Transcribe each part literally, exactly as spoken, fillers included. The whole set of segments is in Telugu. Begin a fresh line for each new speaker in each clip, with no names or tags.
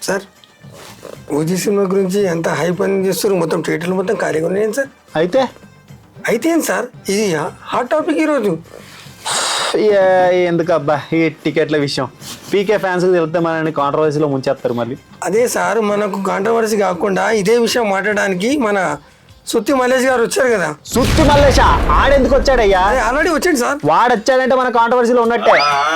సార్ ఓజీ సినిమా గురించి ఎంత హై పని చేస్తారు, మొత్తం థియేటర్లు మొత్తం ఖాళీగా ఉన్నాయండి సార్.
అయితే
అయితే ఏంటి సార్, ఇది హాట్ టాపిక్ ఈరోజు.
ఎందుకు అబ్బా ఈ టికెట్ల విషయం, పీకే ఫ్యాన్స్ వెళ్తే మనని కాంట్రవర్సీలో ముంచేస్తారు మళ్ళీ.
అదే సార్, మనకు కాంట్రవర్సీ కాకుండా ఇదే విషయం మాట్లాడడానికి మన సుత్తి మల్లేష్ గారు వచ్చారు కదా.
సుత్తి మల్లేష ఆడెందుకు వచ్చాడయ్యా?
ఆల్రెడీ వచ్చాడు సార్.
వాడు వచ్చాడంటే మన కాంట్రవర్సీలో ఉన్నట్టే.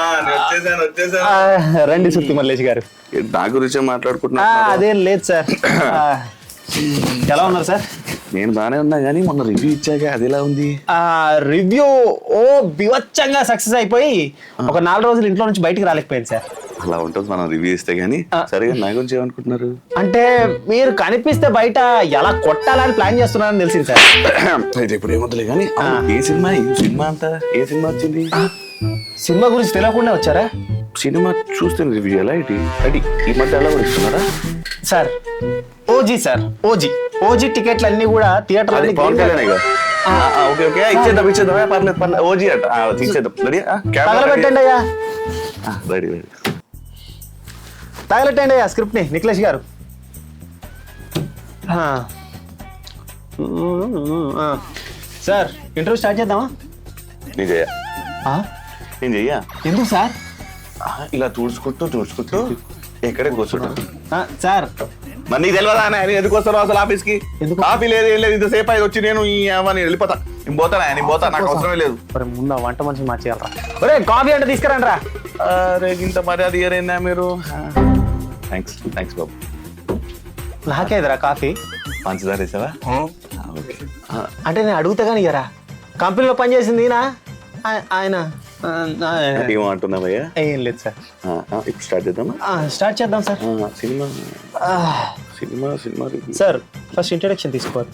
రండి సుత్తి మల్లేష్ గారు.
నా గురించి మాట్లాడుకుంటున్నా.
అదేం లేదు సార్. ఎలా ఉన్నారు సార్?
నేను బాగానే ఉన్నా కానీ మొన్న రివ్యూ ఇచ్చాక అది ఎలా ఉంది?
రివ్యూ ఓ బివచ్చంగా సక్సెస్ అయిపోయి ఒక నాలుగు రోజులు ఇంట్లో నుంచి బయటికి రాలేకపోయింది సార్.
అలా ఉంటుంది మనం రివ్యూ ఇస్తే గానీ. సరిగా నా గురించి ఏమనుకుంటున్నారు?
అంటే మీరు కనిపిస్తే బయట ఎలా కొట్టాలని ప్లాన్ చేస్తున్నారని తెలిసింది సార్.
అయితే ఇప్పుడు ఏమవుతుంది కానీ ఏ సినిమా ఈ సినిమా అంతా ఏ సినిమా వచ్చింది?
సినిమా గురించి తెలియకుండా వచ్చారా?
సినిమా చూస్తే రివ్యూ ఎలా ఇటీ అది ఈ మధ్య ఎలా కూడా ఇస్తున్నారా
sir? OG sir, OG OG టికెట్లు అన్ని కూడా థియేటర్
ఓకే ఓకే ఇచ్చేద్దాం ఇచ్చేద్దాం పర్లేదు పర్లేదు ఓజీ అట ఇచ్చేద్దాం. రెడీ
తగలబెట్టండి అయ్యా.
రెడీ రెడీ
తగలెట్టండి అయ్యా స్క్రిప్ట్ ని నిఖిలేష్ గారు. సార్ ఇంటర్వ్యూ స్టార్ట్ చేద్దామా?
నేను చెయ్యా నేను చెయ్యా
ఎందుకు సార్?
ఇలా చూసుకుంటూ చూసుకుంటూ ఎక్కడే కూర్చుంటా
సార్.
మరి నీకు తెలియదా నేను ఎందుకు వస్తాను అసలు ఆఫీస్ కి? కాఫీ లేదు ఏం లేదు ఇంతసేపు అయి వచ్చి నేను ఈ నేను వెళ్ళిపోతా. నేను పోతానా నేను పోతా, నాకు అవసరమే లేదు.
ముందు వంట మనిషి మార్చేయాలరా. ఒరే కాఫీ అంటే తీసుకురండి రా.
అరే ఇంత మర్యాద ఇయరైందా మీరు? థ్యాంక్స్ థ్యాంక్స్ బాబు.
నాకేదిరా కాఫీ?
పంచదార వేసావా?
అంటే నేను అడుగుతా కానీ ఇయరా. కంపెనీలో పనిచేసింది ఈయన ఆయన.
ఏమంటున్నావయ్యా?
ఏం లేదు సార్.
ఇప్పుడు స్టార్ట్ చేద్దామా?
స్టార్ట్ చేద్దాం sir.
Cinema cinema cinema
sir first introduction తీసుకోవాలి.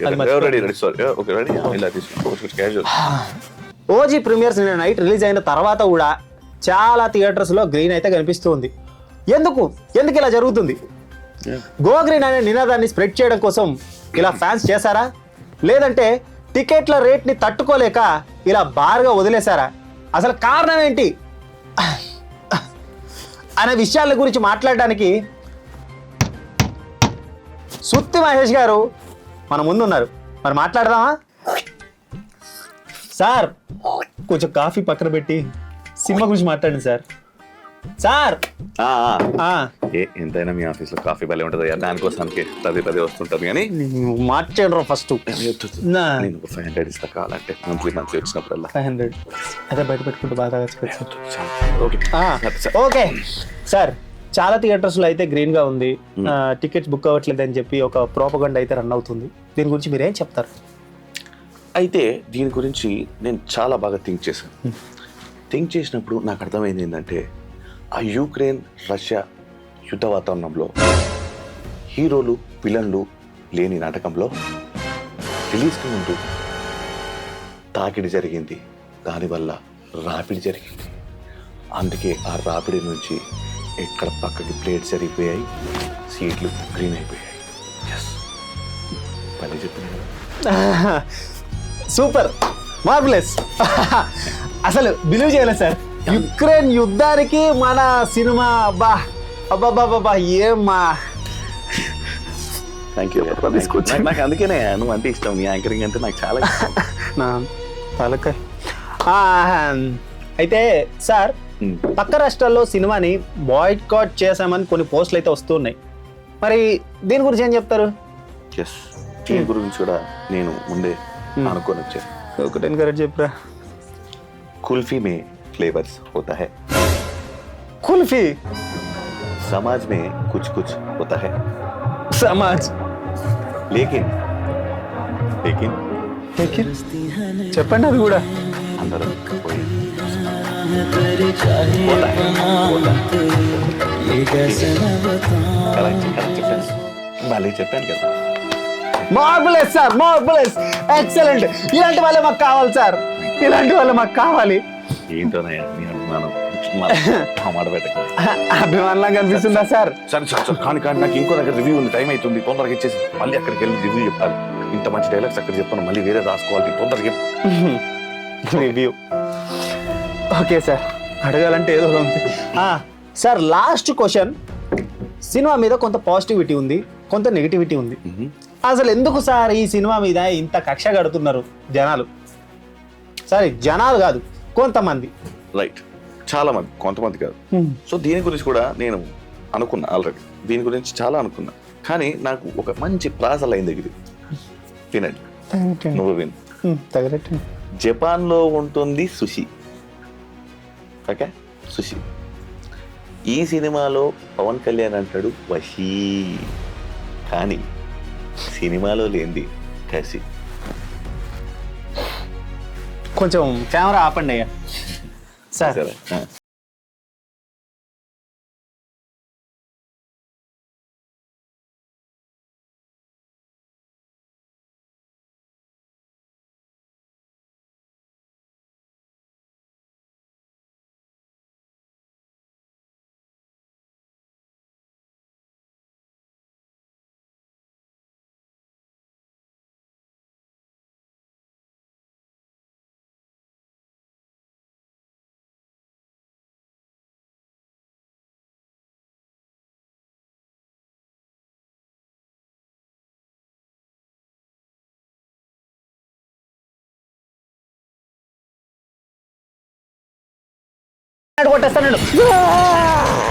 ఓజీ ప్రీమియర్స్ నిన్న నైట్ రిలీజ్ అయిన తర్వాత కూడా చాలా థియేటర్స్ లో గ్రీన్ అయితే కనిపిస్తుంది. ఎందుకు ఎందుకు ఇలా జరుగుతుంది? గో గ్రీన్ అనే నినాదాన్ని స్ప్రెడ్ చేయడం కోసం ఇలా ఫ్యాన్స్ చేశారా, లేదంటే టికెట్ల రేట్ ని తట్టుకోలేక ఇలా బార్గా వదిలేశారా? అసలు కారణం ఏంటి అనే విషయాల గురించి మాట్లాడడానికి సుత్తి మహేష్ గారు మన ముందున్నారు. మరి మాట్లాడదామా? సార్ కొంచెం కాఫీ పక్కన పెట్టి సినిమా గురించి మాట్లాడండి సార్. సార్
ఎంతైనా మీ ఆఫీస్ లో కాఫీ భలే ఉంటుంది, దానికోసానికి పదే పదే వస్తుంటారు. కానీ
మార్చేయండి ఫస్ట్.
ఫైవ్ హండ్రెడ్ ఇస్తా కావాలంటే మంత్లీ మంత్లీ వచ్చినప్పుడల్లా.
ఫైవ్ హండ్రెడ్ అదే బయట పెట్టుకుంటే బాగా ఓకే సార్. చాలా థియేటర్స్ లో అయితే గ్రీన్ గా ఉంది, టికెట్స్ బుక్ అవ్వట్లేదు అని చెప్పి ఒక ప్రోపగండా అయితే రన్ అవుతుంది. దీని గురించి మీరేం చెప్తారు?
అయితే దీని గురించి నేను చాలా బాగా థింక్ చేశాను. థింక్ చేసినప్పుడు నాకు అర్థమైంది ఏంటంటే, ఆ యుక్రెయిన్ రష్యా యుద్ధ వాతావరణంలో హీరోలు విలన్లు లేని నాటకంలో రిలీజ్కి ముందు తాకిడి జరిగింది, దానివల్ల రాపిడి జరిగింది. అందుకే ఆ రాపిడి నుంచి ఎక్కడ పక్కకి ప్లేట్స్ జరిగిపోయాయి, సీట్లు గ్రీన్ అయిపోయాయి. ఎస్ పని చెప్పిన
సూపర్ మార్వెలస్. అసలు బిలీవ్ చేయలేదు సార్, యుక్రెయిన్ యుద్ధానికి మన సినిమా. అబ్బా అబ్బాబాబా ఏమ్మా.
Thank you. నాకు అందుకేనే నువ్వు అంటే ఇష్టం, నీ యాంకరింగ్ అంటే నాకు చాలా
తలక. అయితే సార్ పక్క రాష్ట్రాల్లో సినిమాని బాయ్కాట్ చేశామని కొన్ని పోస్టులు అయితే వస్తున్నాయి. మరి దీని గురించి ఏం చెప్తారు?
ఎస్ దీని గురించి కూడా నేను ముందే అనుకోని వచ్చాను.
ఒకటే కరెక్ట్ చెప్పరా.
కుల్ఫీ మే फ्लेवर्स होता है,
कुल्फी
समाज में कुछ कुछ होता है.
समाज
लेकिन लेकिन
लेकिन చెప్పండి అది కూడా.
అందరూ होता है होता భలే చెప్పాను కదా.
Marvellous sir, marvellous, excellent. ఇలాంటి వాళ్ళే మాకు కావాలి సార్, ఇలాంటి వాళ్ళే మాకు కావాలి.
ఏంటోనయ్యా నీ అభిమానం మాట పెట్టక.
అభిమానంగా కనిపిస్తుందా సార్?
సరే సార్ సార్ కానీ కానీ నాకు ఇంకో దగ్గర రివ్యూ ఉంది, టైం అవుతుంది, తొందరగా ఇచ్చేసి మళ్ళీ అక్కడికి వెళ్ళి రివ్యూ చెప్పాలి. ఇంత మంచి డైలాగ్స్ అక్కడ చెప్పాను, మళ్ళీ వేరే రాసుకోవాలి, తొందరగా
రివ్యూ. ఓకే సార్, అడగాలంటే ఏదో ఉంది సార్. లాస్ట్ క్వశ్చన్, సినిమా మీద కొంత పాజిటివిటీ ఉంది, కొంత నెగిటివిటీ ఉంది. అసలు ఎందుకు సార్ ఈ సినిమా మీద ఇంత కక్ష కడుతున్నారు జనాలు? సరే జనాలు కాదు, కొంతమంది.
రైట్, చాలా మంది, కొంతమంది కాదు. సో దీని గురించి కూడా నేను అనుకున్నా ఆల్రెడీ, దీని గురించి చాలా అనుకున్నా. కానీ నాకు ఒక మంచి ప్రాస లైన్ దగ్గర వినండి, నువ్వు విను.
తగలెట్టండి.
జపాన్లో ఉంటుంది సుషి, ఓకే, సుషి. ఈ సినిమాలో పవన్ కళ్యాణ్ అంటాడు వశీ, కానీ సినిమాలో లేనిది కసి.
కొంచెం కెమెరా ఆపండి అయ్యా సార్.
సరే,
కొట్టేస్తాడు.